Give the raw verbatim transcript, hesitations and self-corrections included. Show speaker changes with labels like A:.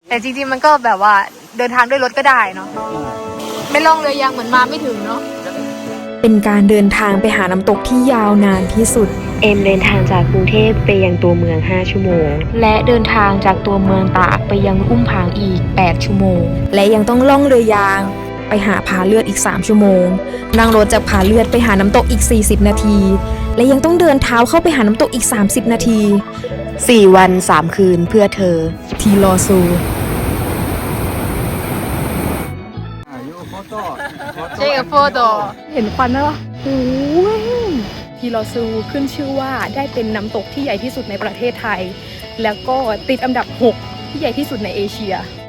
A: แต่จริงๆมันก็แบบว่าเดินทางด้วยรถก็ได้เนาะไม่ล่องเรือยางเหมือนมาไม่ถึงเนาะ
B: เป็นการเดินทางไปหาน้ำตกที่ยาวนานที่สุด
C: เอ็มเดินทางจากกรุงเทพไปยังตัวเมืองห้าชั่วโมง
B: และเดินทางจากตัวเมืองตากไปยังอุ้มผางอีกแปดชั่วโมงและยังต้องล่องเรือยางไปหาผาเลือดอีกสามชั่วโมงนั่งรถจากผาเลือดไปหาน้ำตกอีกสี่สิบนาทีและยังต้องเดินเท้าเข้าไปหาน้ำตกอีกสามสิบนาที
C: สี่วันสามคืนเพื่อเธอ
B: ทีรอซู
A: เจ๊กับโฟโต้
B: เห็นควันไหมวะโอ้ยทีรอซูขึ้นชื่อว่าได้เป็นน้ำตกที่ใหญ่ที่สุดในประเทศไทยแล้วก็ติดอันดับหกที่ใหญ่ที่สุดในเอเชีย